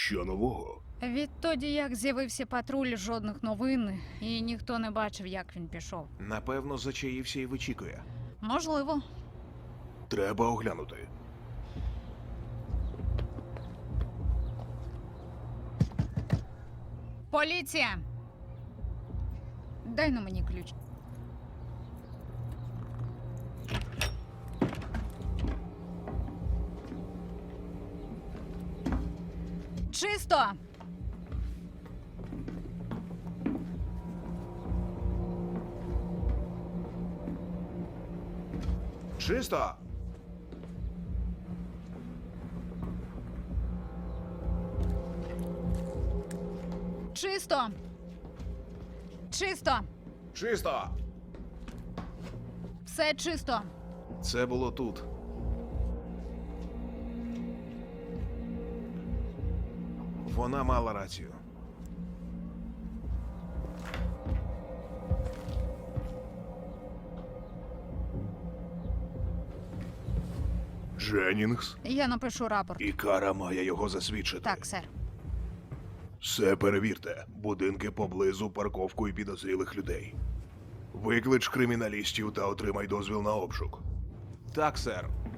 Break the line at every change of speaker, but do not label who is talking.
Що нового?
Відтоді, як з'явився патруль, жодних новин, і ніхто не бачив, як він пішов.
Напевно, зачаївся і вичікує.
Можливо.
Треба оглянути.
Поліція! Дай на мені ключ. Чисто!
Чисто!
Чисто! Чисто!
Чисто!
Все чисто!
Це було тут. Вона мала рацію.
Дженнінгс?
Я напишу рапорт.
І Кара має його засвідчити.
Так, сер.
Все перевірте. Будинки поблизу, парковку і підозрілих людей. Виклич криміналістів та отримай дозвіл на обшук.
Так, сер.